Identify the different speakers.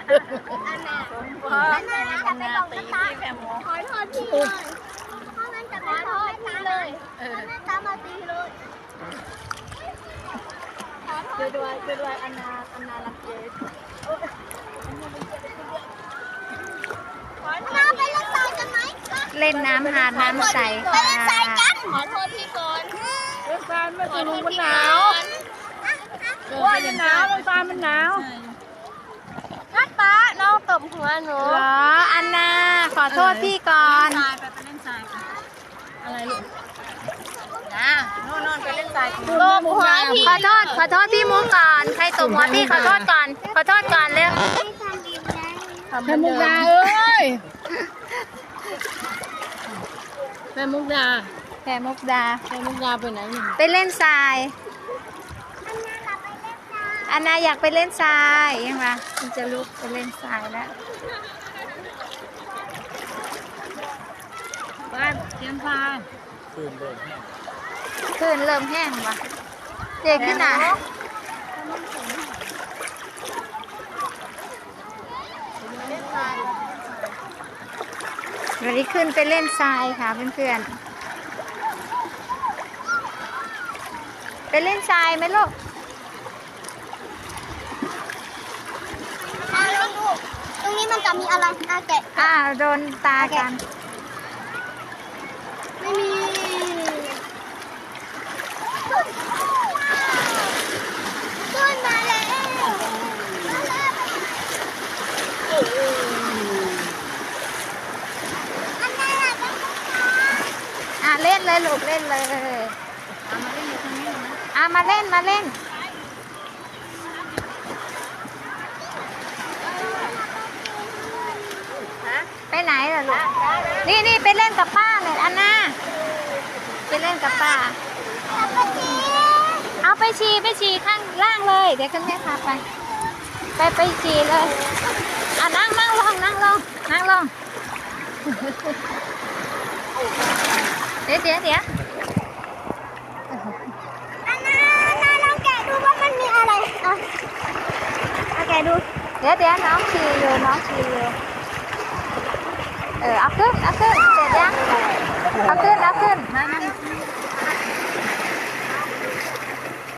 Speaker 1: อันน่ะ
Speaker 2: อันนั้นจะไปลงกระตาขอโทษพี่เลยเพราะนั้นจะไปขอโทษพี่เลยอันนั้นตามมาตีเลยช่วยด้วยอันนาลังเกตน้ำไปเล่นทรายกันไหม
Speaker 3: เล่นน้ำหาดน้ำใส
Speaker 2: ไป
Speaker 3: ค่ะ
Speaker 2: เล่นทรายกันขอโทษพี่ก่อน
Speaker 1: เรื่องการไม่ตีลุงมันหนาวว่ามันหนาวเรื่องการมันหนาว
Speaker 2: นัดป้าน้องตบหัวหนู
Speaker 3: เหรออันนาขอโทษพี่ก่อน
Speaker 1: ทรายไปเล่นทรายกันอะไรลูกนะโน่นไปเล่นทรายกัน
Speaker 2: ตบหัวพี่
Speaker 3: ขอโทษพี่มุกก่อนใครตบหัวพี่ขอโทษก่อนเร็ว
Speaker 1: แม่มุกดาเอ้ยแม่มุกดา
Speaker 3: แผ่มุกดา
Speaker 1: แม่มุกดาไปไหนนี่
Speaker 3: ไปเล่นทรายอันนาอยากไปเล่นทรายยังไงมันจะลุกไปเล่นทรายแล้ว
Speaker 1: บ้านเตรียมทราย
Speaker 3: คลื่นเริ่มแห้งว่ะเด็กขึ้นหนาวันนี้ขึ้นไปเล่นทรายค่ะเพื่อนๆไปเล่นทรายไหมลูก
Speaker 2: ลูกตรงนี้มันจะมีอะไรแกะ
Speaker 3: โดนตากัน
Speaker 2: ไม่มีขึ้นมาแล้ว
Speaker 3: เล่นเลยลูกเล่นเลยมาเล่นไปไหนล่ะลูกนี่ไปเล่นกับป้าเลยอันน่าไปเล่นกับป้าเอาไปฉี่ข้างล่างเลยเดี๋ยวคุณแม่พาไปฉี่เลยนั่งลงเดี๋ยว
Speaker 2: อันนั้นลองแกะดูว่ามันมีอะไร
Speaker 3: แกดูเดี๋ยวน้องฉี่อยู่เอาขึ้นเสร็จยังเอาขึ้น